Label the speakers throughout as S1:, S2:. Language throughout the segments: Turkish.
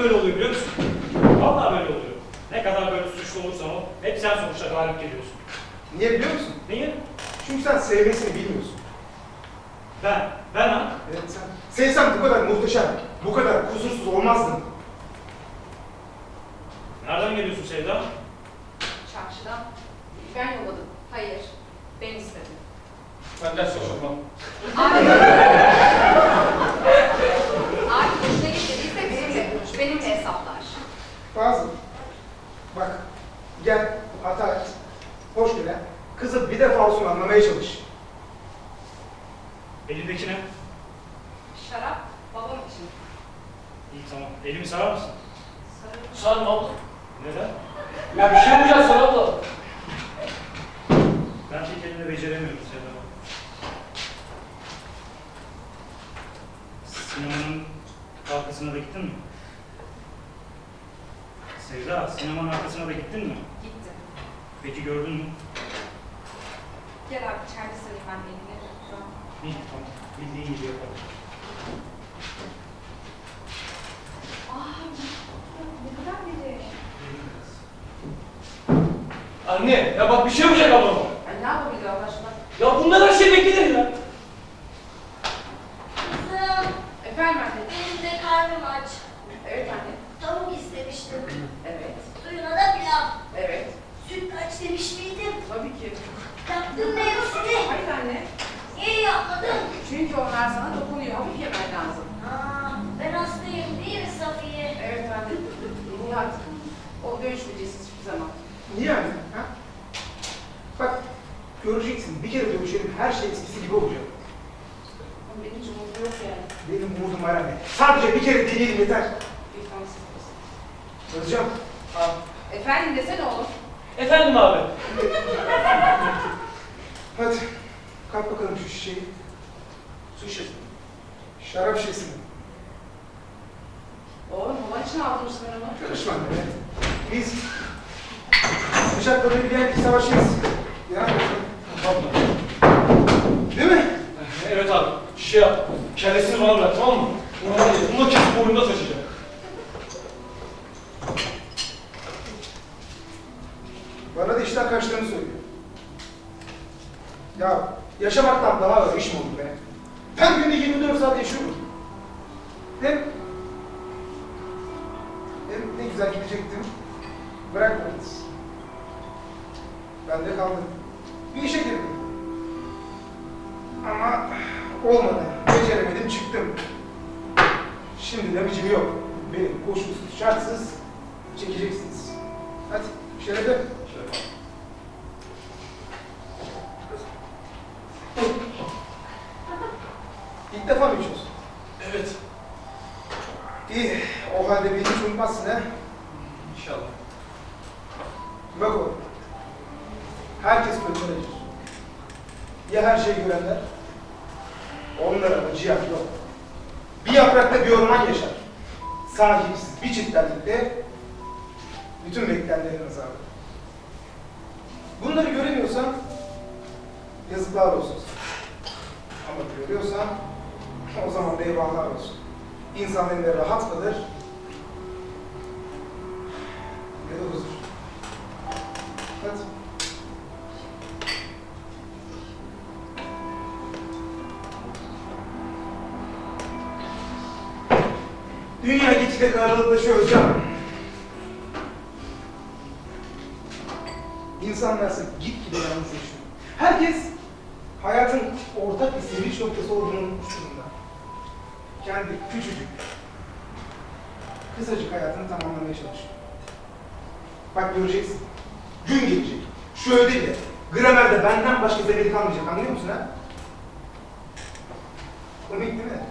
S1: böyle oluyor biliyor musun? Vallahi böyle oluyor. Ne kadar böyle suçlu olursan ol, hep sen sonuçta galip geliyorsun.
S2: Niye biliyor musun?
S1: Niye?
S2: Çünkü sen sevmesini bilmiyorsun.
S1: Ben ha?
S2: Evet sen. Sevsen bu kadar muhteşem, bu kadar kusursuz olmazdın.
S1: Nereden geliyorsun Sevda?
S3: Çarşıdan. Ben yolladım. Hayır. Ben istedim.
S1: Ben ders çalışmam.
S3: Abi. Abi hoşuna gitmediyse bizimle konuş. Benimle hesaplar.
S2: Bazı. Bak, gel, hata et. Hoş gele. Kızı bir defa olsun anlamaya çalış.
S1: Elindeki ne?
S3: Şarap babam için.
S1: İyi tamam. Elimi sarar mısın?
S3: Sarı.
S4: Sarma abla.
S1: Neden?
S4: Ya bir şey yapacağız sana abla.
S1: Ben tek elimle beceremiyorum Sevda. Sinemanın arkasına da gittin mi? Sevda, sinemanın arkasına da gittin mi?
S3: Gittim.
S1: Peki gördün mü?
S3: Gel abi içeride sarayım ben elini. Tamam.
S1: İyi tamam. Bildiğin gibi yapalım.
S3: Ne kadar biri.
S4: Anne ya bak bir şey yapacak ablam.
S3: Ay ne yapabilir Allah aşkına?
S4: Ya bundan her şey beklenir ya.
S5: Kızım,
S3: Efendim anne.
S5: benim de karnım aç.
S3: Evet anne.
S5: Tavuk istemiştim.
S3: Evet.
S5: Suyuna da pilav.
S3: Evet.
S5: Sütlaç demiş miydim?
S3: Tabii ki.
S5: Yaptın mı hepsini?
S3: Hayır anne.
S5: Niye yapmadın?
S3: Çünkü onlar sana dokunuyor. Hafif yemen lazım.
S5: Aa, ben hastayım değil mi Safiye?
S3: Evet anne. Nihat. O dövüşmeyeceksiniz hiçbir zaman.
S2: Niye yani? Ha? Bak, göreceksin. Bir kere dövüşelim, her şey eskisi gibi olacak.
S3: Ama benim hiç umudum yok yani.
S2: Benim umudum var anne. Sadece bir kere deneyelim yeter.
S3: Lütfen siz bilirsin.
S2: Özcan.
S4: Abi.
S3: Efendim desene oğlum.
S4: Efendim abi.
S2: Hadi, kalk bakalım şu şişeyi.
S4: Su şişesi.
S2: Şarap şişesini.
S3: Oğlum baban için aldırmışsın onu.
S2: Karışma anne. Biz bıçakları bilen bir savaşçıyız. Ya,
S4: Abla.
S2: değil mi?
S4: Evet abi. Şey yap. Kellesini bana bırak tamam mı? Bunu kesip boynunda taşıyacak.
S2: Bana da işten kaçtığını söylüyor. Ya yaşamaktan daha ağır iş mi olur be? Ben günde 24 saat yaşıyorum. Hem ne güzel gidecektim. Bırakmadınız. Ben de kaldım. Bir işe girdim. Ama olmadı. Beceremedim, çıktım. Şimdi de bicim yok. Benim koşulsuz, şartsız çekeceksiniz. Hadi, şerefe. İlk defa mı içiyorsun?
S4: Evet.
S2: İyi, o halde beni hiç unutmazsın ha.
S4: İnşallah.
S2: Bak oğlum, herkes kötüledir. Ya her şeyi görenler? Onlara da cihat yok. Bir yaprakta bir orman yaşar. Sahipsiz bir çiftlerlikte bütün beklenenlerin azabı. Bunları göremiyorsan yazıklar olsun sana. Ama görüyorsan o zaman da eyvahlar olsun. İnsan hem de rahat kalır ya da huzur. Hadi. Dünya gitgide karalıklaşıyor hocam. İnsanlarsa gitgide yalnızlaşıyor. Herkes hayatın ortak bir sevinç noktası olduğunu unutmuş durumda. Kendi küçücük, kısacık hayatını tamamlamaya çalışıyor. Bak göreceksin, gün gelecek. Şu ödevle, gramerde benden başka zemini kalmayacak, anlıyor musun ha? Komik değil mi?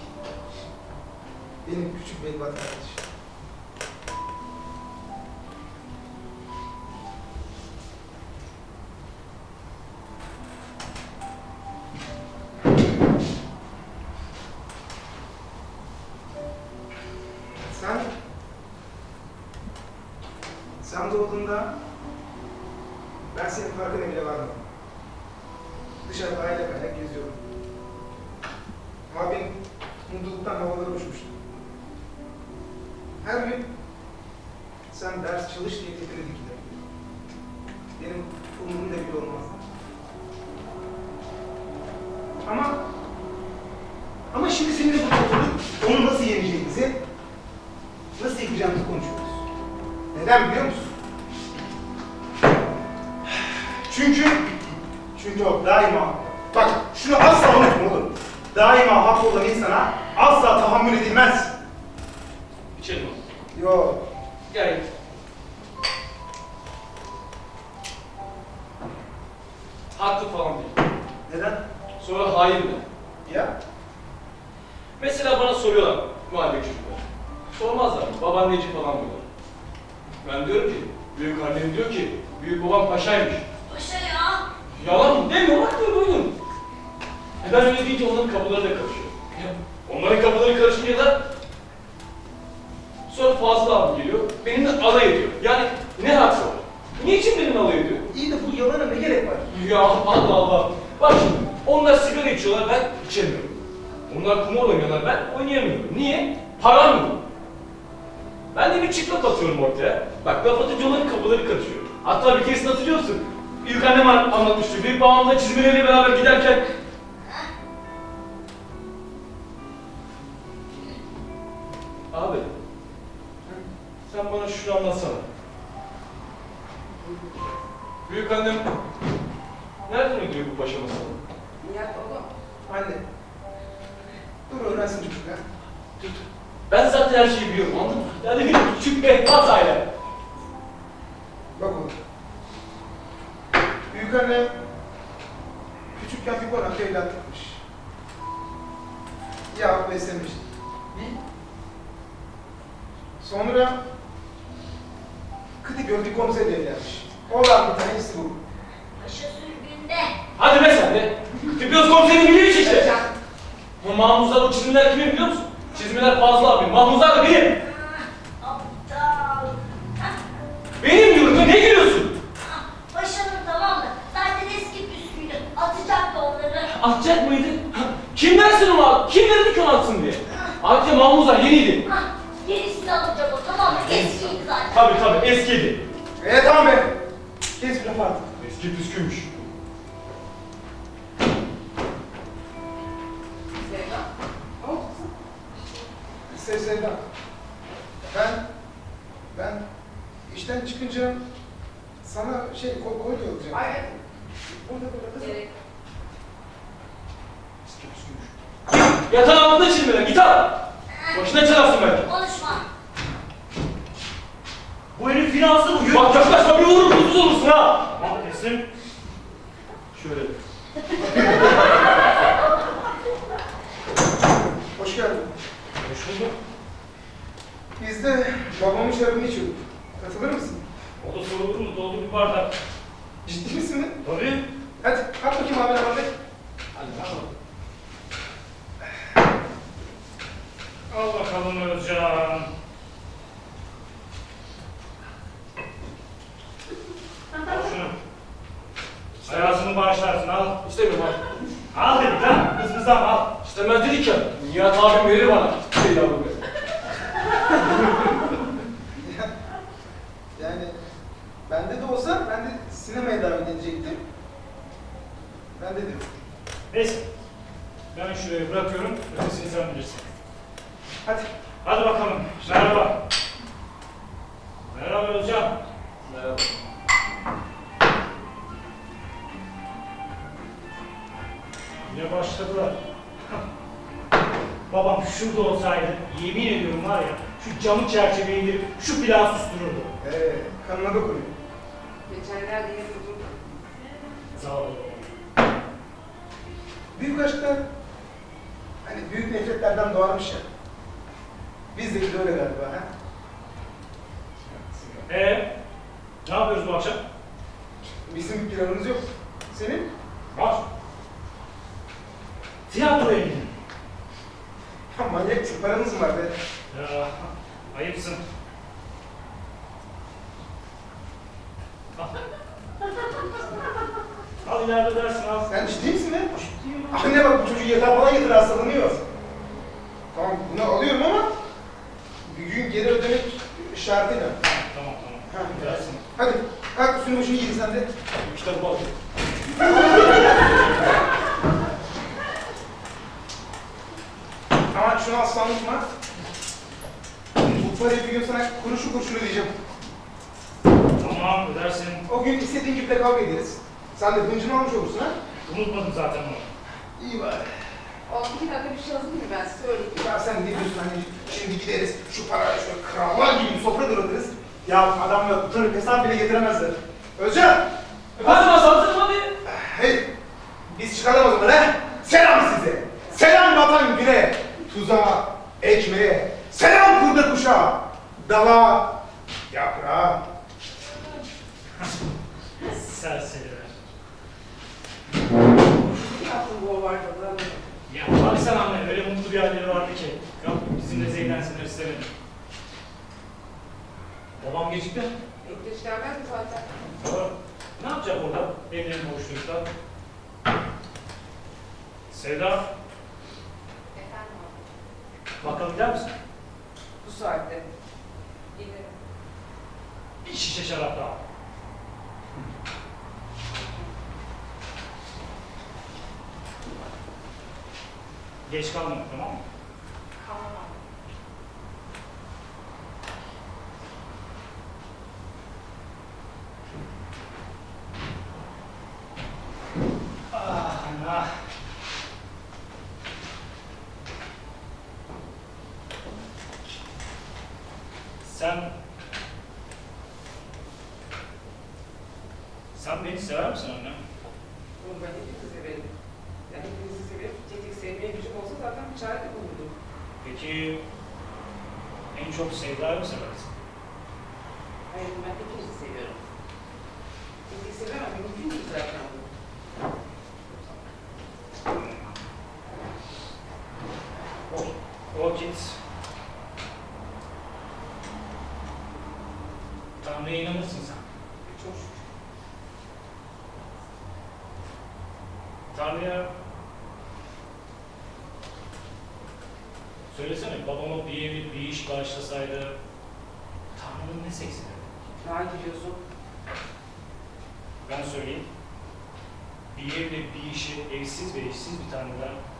S2: Benim küçük bir kardeşim. Sen doğduğunda ben senin farkına bile varmadım. Dışarıda aile kayak geziyordum. Abin mutluluktan havalara uçmuştu. Her gün sen ders çalış diye tepene dikilir. Benim umurumda bile olmaz. Ama şimdi seninle burada oturup onu nasıl yeneceğimizi, nasıl yıkacağımızı konuşuyoruz. Neden biliyor musun? Çünkü o daima, bak şunu asla unutma oğlum. Daima haklı olan insana asla tahammül edilmez.
S4: İçelim abi.
S2: Yo,
S4: Gel. Haklı falan değil.
S2: neden?
S4: Sonra hayır mı?
S2: Ya,
S4: Mesela bana soruyorlar mahalle çocuklar. Sormazlar. Baban neci falan diyorlar. Ben diyorum ki, büyük annem diyor ki, büyük babam paşaymış.
S5: Paşa ya.
S4: Yalan mı? Demiyor, bak diyor, duydum. Ben öyle deyince onların kapıları da karışıyor. Onların kapıları karışınca da sonra Fazıl abi geliyor, benimle alay ediyor. Yani ne hakkı var? Niçin benimle alay ediyor?
S2: iyi de bu yalana ne gerek var?
S4: Ya Allah Allah! Bak şimdi, onlar sigara içiyorlar, ben içemiyorum. Onlar kumar oynuyorlar, ben oynayamıyorum. Niye? Param yok. Ben de bir çıplak atıyorum ortaya. Bak, laf atınca onların kapıları karışıyor. Hatta bir keresini hatırlıyorsun. Büyük annem anlatmıştı. Büyük babamla çizmeleriyle beraber giderken... Abi, sen bana şunu anlatsana. Büyük annem nereden ödüyor bu paşa masalı?
S2: Nihat oğlum. Anne. Dur öğrensin çocuk ha.
S4: Ben zaten her şeyi biliyorum, anladın mı? Yani bir küçük bir hatayla.
S2: Bak oğlum. Büyük anne küçükken bir konakta evlatlıkmış. Ya beslemiş. Sonra kıtı gördü komiserle evlenmiş. Oğlan bir tanesi bu.
S5: Paşa sürgünde.
S4: Hadi be sen de. Tıpkı komiserin bilmiş işte. Bu Mahmuzlar, o çizimler kimin biliyor musun? Çizimler Fazıl abi, Mahmuzlar da benim.
S5: Aptal.
S4: Benim diyorum ya, ne gülüyorsun?
S5: Paşanın tamam mı? Zaten eski püsküydü. Atacaktı onları.
S4: Atacak mıydı? Kim versin onu abi? Kim verdi ki onu atsın diye? Ayrıca Mahmuzlar yeniydi.
S5: Yenisini alacak o tamam mı? Eskiydi zaten.
S4: Tabii eskiydi.
S2: Tamam be. Kes bir laf artık.
S4: Eski püsküymüş.
S2: Sevda. Ne oldu kızım? Sevda. Ben işten çıkınca sana kolye alacağım.
S3: Ay,
S2: Burada kızım.
S3: gerek.
S4: Eski püsküymüş. Yatağın altında çizimler, git al. Başına çalarsın belki.
S5: Konuşma.
S1: Bu herif finanslı bugün.
S4: Bak yaklaşma, bir vururum, kutsuz olursun ha.
S1: Tamam kesin.
S4: Şöyle.
S2: Hoş geldin.
S1: Hoş bulduk.
S2: Biz de babamın şarabını içiyorduk. Katılır mısın?
S1: O da sorulur mu? Doldu bir bardak.
S2: Ciddi misin mi?
S1: Tabii.
S2: Hadi kalk bakayım abi abi.
S4: Hadi bakalım.
S1: Al bakalım Özcan. Al şunu. Hayatını bağışlarsın al.
S4: İstemiyorum abi.
S1: Al dedik lan. Kızımızdan al.
S4: İstemez dedik ya. Nihat abim verir bana. Şey yavrum be.
S2: Yani bende de olsa ben de sinemaya davet edecektim. Ben dedim.
S1: Neyse. Ben şuraya bırakıyorum. Ötesini sen bilirsin.
S2: Hadi.
S1: Hadi bakalım. Merhaba. Merhaba Özcan.
S4: Merhaba.
S1: Yine başladılar. Babam şurada olsaydı, yemin ediyorum var ya, şu camı çerçeveyi indirip şu plağı sustururdu.
S2: Kanına dokunuyor.
S3: Geçenlerde yine buldum.
S1: Sağ ol.
S2: Büyük aşklar hani büyük nefretlerden doğarmış ya. Bizdeki de öyle galiba ha.
S1: Ne yapıyoruz bu akşam?
S2: Bizim bir planımız yok. Senin?
S1: Var. Tiyatroya gidelim.
S2: Ya manyak paranız mı var be?
S1: Ya, ayıpsın. Al. Al ileride dersin al.
S2: Sen ciddi misin be?
S1: Ciddiyim.
S2: Anne bak bu çocuğu yatağa falan yatır hastalanıyor. Tamam bunu alıyorum ama Düğün geri ödemek şartıyla.
S1: Tamam.
S2: Ha.
S1: Dersin.
S2: Hadi, kalk üstünü başını giyin sen de.
S1: Kitabı al.
S2: Ama şunu asla unutma. Bu parayı bir gün sana kuruşu kuruşunu ödeyeceğim.
S1: Tamam, ödersin.
S2: O gün istediğin gibi de kavga ederiz. Sen de hıncını almış olursun ha.
S1: Unutmadım zaten onu.
S2: İyi bari.
S6: Oğlum 2 dakika bir şey hazır mı ben size söyleyeyim.
S2: Ya sen ne diyorsun hani şimdi gideriz şu parayı şöyle krallar gibi bir sofra dağıtırız. Ya adam yok, tır hesap bile getiremezler. Özcan!
S4: Efendim Hasan hadi.
S2: Hey! Biz çıkalım o zaman he? Selam size! Selam vatan güne! Tuzağa, ekmeğe, selam kurda kuşa! Dala, yaprağa.
S1: Serseriler.
S6: Ne yaptın bu ovarda?
S1: Ya bak sen anne, öyle mutlu bir halleri vardı ki. Yok, bizimle zeylensinler istemedim. Babam gecikti.
S6: Geç gelmez mi zaten?
S1: Doğru. Ne yapacak orada? Evlerin boşlukta. Sevda,
S3: Efendim abi.
S1: bakalım gider misin?
S6: Bu saatte.
S3: Giderim.
S1: Bir şişe şarap daha. Geç kalma, tamam mı?
S3: Kalmam abi.
S1: Ah, ah. Sen beni sever misin anne?
S6: Oğlum ben hepinizi severim. Yani hepinizi severim. Tek sevmeye gücüm olsa zaten bir çare de bulurdum.
S1: Peki en çok Sevda'yı mı seversin?
S6: Hayır ben hepinizi seviyorum. Tek sevemem. Mümkün değil zaten bu.
S1: O vakit Tanrı'ya inanırsın sen.
S6: Çok şükür.
S1: Tanrı'ya söylesene, babama bir evlilik, bir iş bağışlasaydı Tanrı'nın ne seksidi?
S6: Daha gidiyorsun.
S1: Ben söyleyeyim. Bir evle bir işi evsiz ve eşsiz bir Tanrı'dan